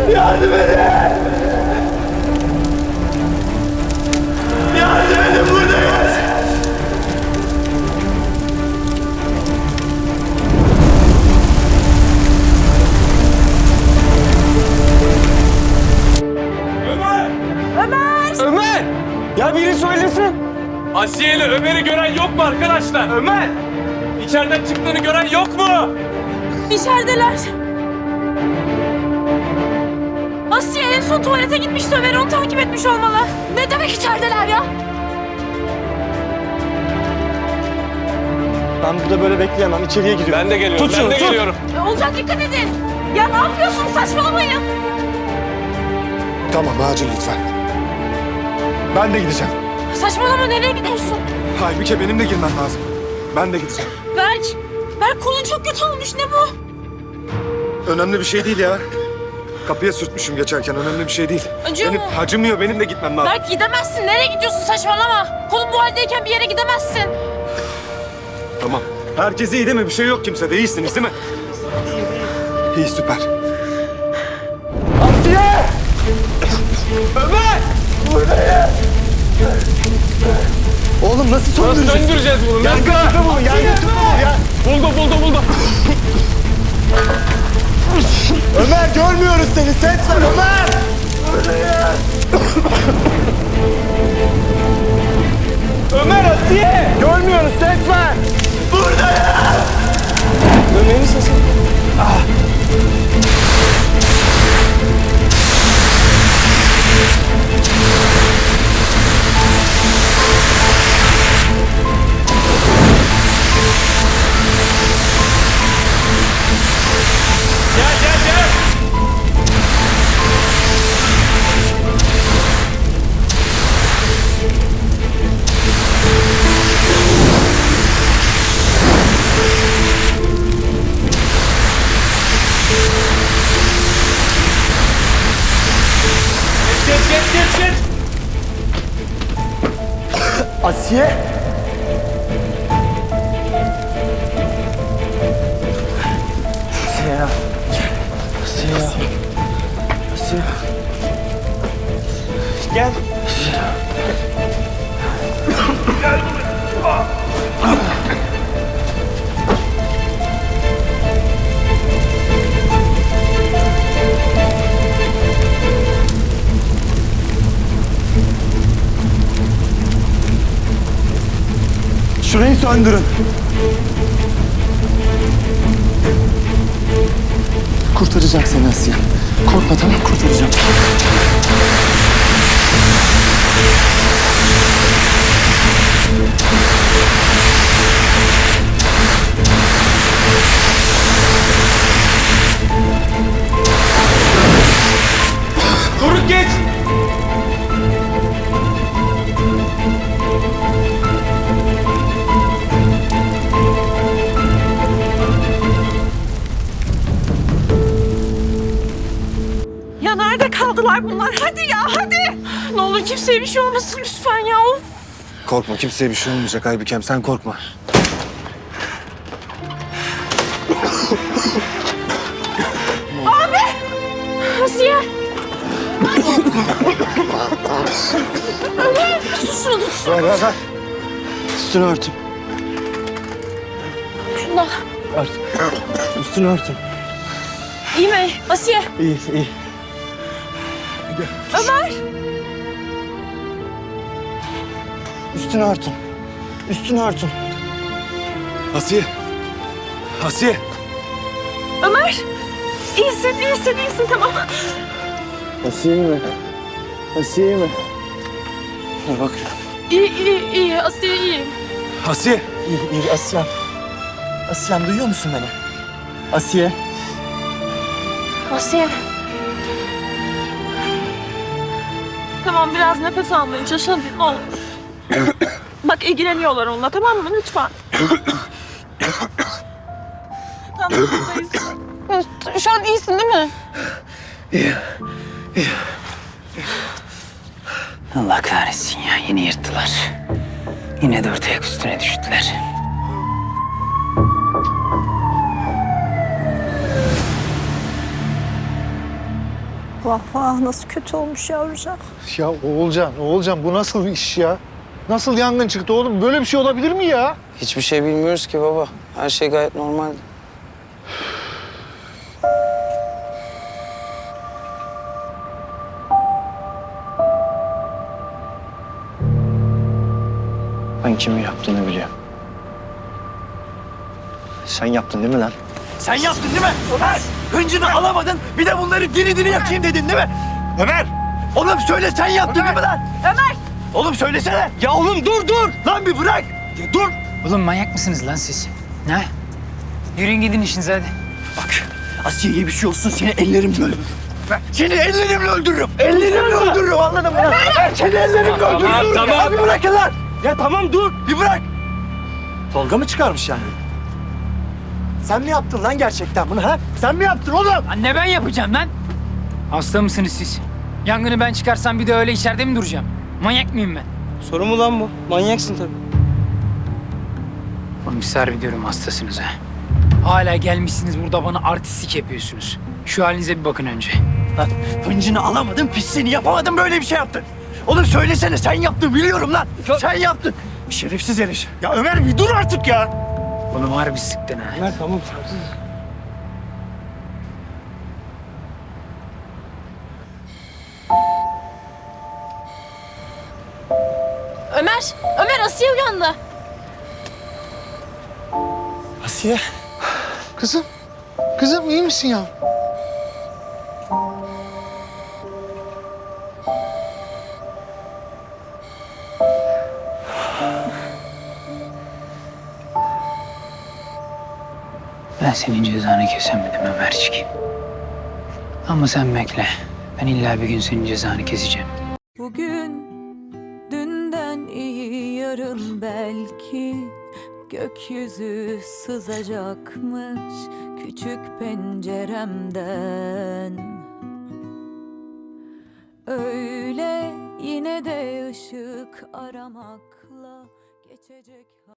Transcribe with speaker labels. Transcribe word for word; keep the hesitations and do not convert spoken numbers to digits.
Speaker 1: Yardım edin! Yardım edin, buradayız!
Speaker 2: Ömer!
Speaker 3: Ömer!
Speaker 2: Ömer!
Speaker 1: Ya biri söylesin!
Speaker 2: Asiye ile Ömer'i gören yok mu arkadaşlar? Ömer! İçeriden çıktığını gören yok mu?
Speaker 3: İçerideler. Asiye en son tuvalete gitmişti. Ömer onu takip etmiş olmalı. Ne demek içerideler ya?
Speaker 1: Ben burada böyle bekleyemem. İçeriye giriyorum.
Speaker 2: Ben de geliyorum,
Speaker 1: Tut
Speaker 2: ben
Speaker 1: şunu,
Speaker 2: de
Speaker 1: tut.
Speaker 2: geliyorum.
Speaker 3: E, Olcan dikkat edin. Ya ne yapıyorsun? Saçmalamayın.
Speaker 4: Tamam, acil lütfen. Ben de gideceğim.
Speaker 3: Saçmalama, nereye gidiyorsun?
Speaker 4: Halbuki benim de girmem lazım. Ben de gideceğim.
Speaker 3: Berk. Berk kolun çok kötü olmuş. Ne bu?
Speaker 4: Önemli bir şey değil ya. Kapıya sürtmüşüm geçerken, önemli bir şey değil.
Speaker 3: Acıyor
Speaker 4: Benim
Speaker 3: mu?
Speaker 4: acımıyor, benim de gitmem lazım.
Speaker 3: Berk gidemezsin. Nereye gidiyorsun? Saçmalama. Kolun bu haldeyken bir yere gidemezsin.
Speaker 4: Tamam. Herkes iyi değil mi? Bir şey yok kimsede. İyisiniz değil mi? İyi, süper.
Speaker 1: Asiye! Ömer! Buradayım! Oğlum nasıl
Speaker 2: Nasıl
Speaker 1: söndüreceğiz?
Speaker 2: söndüreceğiz bunu?
Speaker 1: Gel
Speaker 2: Nasıl?
Speaker 1: götür bunu, gel götür bunu ya!
Speaker 2: Buldu, buldu, buldu.
Speaker 1: Ömer görmüyoruz seni, ses ver Ömer! Buradayım! Ömer, Asiye! Görmüyoruz, ses ver! Buradayım! Ömer'in sesi. Ah.
Speaker 2: Gel, gel, gel. Geç, geç, geç, geç.
Speaker 1: Asiye! Asiye ya. Asiye ya. Asiye. Gel. Şurayı söndürün. Kurtaracağım seni Asiye. Korkma, tamam, kurtaracağım.
Speaker 2: Doruk geç.
Speaker 3: Ya nerede kaldılar bunlar? Hadi ya, hadi. Ne olur kimseye bir şey olmasın lütfen ya. Of.
Speaker 4: Korkma, kimseye bir şey olmayacak Aybükem. Sen korkma.
Speaker 3: Asiye. Ömer, tut şunu, tut.
Speaker 4: Ver, ver, ver.
Speaker 1: Üstünü örtün.
Speaker 3: Şundan.
Speaker 1: Ört. Üstünü örtün.
Speaker 3: İyi mi? Asiye.
Speaker 1: İyi, iyi.
Speaker 3: Ömer.
Speaker 1: Üstünü örtün. Üstünü örtün.
Speaker 4: Asiye. Asiye.
Speaker 3: Ömer. İyisin, iyisin, iyisin. Tamam.
Speaker 1: Asiye mi? Asiye mi? Dur bak.
Speaker 3: İyi, iyi, iyi. Asiye iyi.
Speaker 4: Asiye.
Speaker 1: İyi, iyi. Asiyem. Asiyem, duyuyor musun beni? Asiye.
Speaker 3: Asiye. Tamam, biraz nefes almaya çalış. Hadi ne olur. Bak ilgileniyorlar onunla, tamam mı? Lütfen. Tamam, buradayız. Şu an iyisin değil mi?
Speaker 5: Allah kahretsin ya, yine yırttılar. Yine dört ayak üstüne düştüler.
Speaker 6: Vah vah nasıl kötü olmuş yavrucak.
Speaker 7: Ya Oğulcan, Oğulcan bu nasıl bir iş ya? Nasıl yangın çıktı oğlum? Böyle bir şey olabilir mi ya?
Speaker 5: Hiçbir şey bilmiyoruz ki baba. Her şey gayet normal. Ben kimin yaptığını biliyorum.
Speaker 7: Sen yaptın değil mi lan?
Speaker 1: Sen yaptın değil mi? Ömer! Hıncını alamadın, bir de bunları diri diri yakayım dedin değil mi? Ömer! Oğlum söyle sen yaptın değil mi lan?
Speaker 3: Ömer!
Speaker 1: Oğlum söylesene. Ya oğlum dur dur. Lan bir bırak. Ya dur.
Speaker 5: Oğlum manyak mısınız lan siz? Ne? Yürüyün gidin işinize hadi.
Speaker 1: Bak Asiye'ye bir şey olsun seni ellerimle öldürürüm. Seni ellerimle öldürürüm. Ellerimle öldürürüm anladın mı? Seni ellerimle öldürürüm.
Speaker 2: Tamam,
Speaker 1: Dur
Speaker 2: tamam.
Speaker 1: ya, bir bırakın lan. Ya tamam dur. Bir bırak. Tolga mı çıkarmış yani? Sen mi yaptın lan gerçekten bunu ha? Sen mi yaptın oğlum?
Speaker 5: Anne ben yapacağım lan. Hasta mısınız siz? Yangını ben çıkarsam bir de öyle içeride mi duracağım? Manyak mıyım ben?
Speaker 1: Soru mu lan bu? Manyaksın tabii.
Speaker 5: Oğlum siz harbi diyorum hastasınız ha. Hala gelmişsiniz burada bana artistlik yapıyorsunuz. Şu halinize bir bakın önce.
Speaker 1: Lan hıncını alamadın, pisliğini yapamadın, böyle bir şey yaptın. Oğlum söylesene, sen yaptın biliyorum lan. Sen yaptın. Şerefsiz herif. Ya Ömer bir dur artık ya.
Speaker 5: Oğlum harbi sıktın ha.
Speaker 1: Ömer tamam.
Speaker 3: Ömer! Ömer Asiye uyandı.
Speaker 1: Asiye.
Speaker 7: Kızım, kızım iyi misin ya?
Speaker 5: Ben senin cezanı kesemedim Ömercik. Ama sen bekle. Ben illa bir gün senin cezanı keseceğim.
Speaker 6: Bugün dünden iyi yarın belki gökyüzü sızacakmış küçük penceremden. Öyle yine de ışık aramakla geçecek.